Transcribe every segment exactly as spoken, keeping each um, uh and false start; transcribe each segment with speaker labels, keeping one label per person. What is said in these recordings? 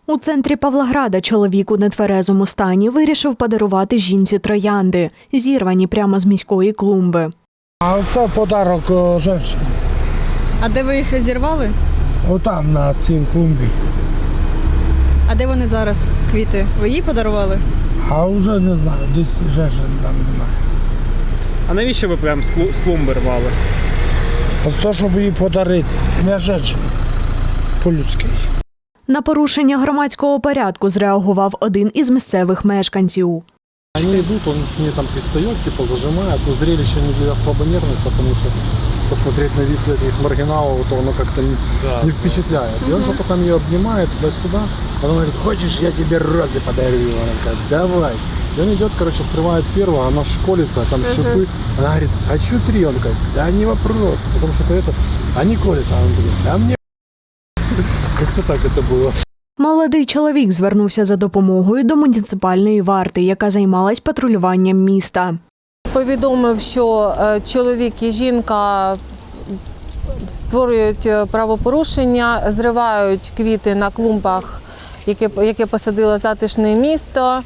Speaker 1: У центрі Павлограда чоловік у нетверезому стані вирішив подарувати жінці троянди, зірвані прямо з міської клумби.
Speaker 2: А це подарок жінці.
Speaker 3: А де ви їх зірвали?
Speaker 2: Отам, на цій клумбі.
Speaker 3: А де вони зараз, квіти? Ви їй подарували?
Speaker 2: А вже не знаю, десь жінки там немає.
Speaker 4: А навіщо ви прям з клу- з клумби рвали?
Speaker 2: А це, щоб її подарити. Не жінці, по-людськи.
Speaker 1: На порушення громадського порядку зреагував один із місцевих мешканців.
Speaker 5: Они идут, он к ней там пристает, типа зажимает, но зрелище не для слабонервных, потому что посмотреть на вид этих маргиналов, то оно как-то не, да, не впечатляет. И он же потом ее обнимает туда-сюда, потом говорит, хочешь, я тебе розы подарю? Она такая, давай. И он идет, короче, срывает первого, она школится, там шипы. Она говорит, хочу три. Он такой, да не вопрос, потому что это, они колятся. А он говорит, да мне как-то так это было.
Speaker 1: Молодий чоловік звернувся за допомогою до муніципальної варти, яка займалась патрулюванням міста.
Speaker 6: Повідомив, що чоловік і жінка створюють правопорушення, зривають квіти на клумбах, яке, яке посадило затишне місто.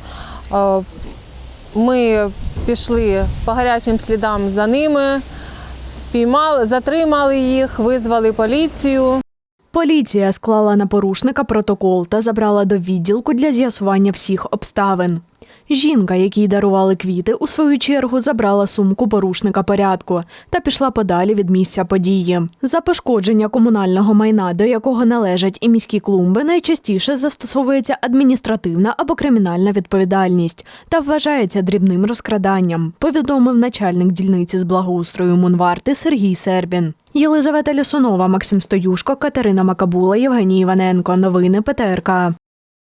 Speaker 6: Ми пішли по гарячим слідам за ними, спіймали, затримали їх, визвали поліцію.
Speaker 1: Поліція склала на порушника протокол та забрала до відділку для з'ясування всіх обставин. Жінка, якій дарували квіти, у свою чергу забрала сумку порушника порядку та пішла подалі від місця події. За пошкодження комунального майна, до якого належать і міські клумби, найчастіше застосовується адміністративна або кримінальна відповідальність та вважається дрібним розкраданням, повідомив начальник дільниці з благоустрою Мунварти Сергій Сербін. Єлизавета Лісунова, Максим Стоюшко, Катерина Макабула, Євгеній Іваненко. Новини ПТРК.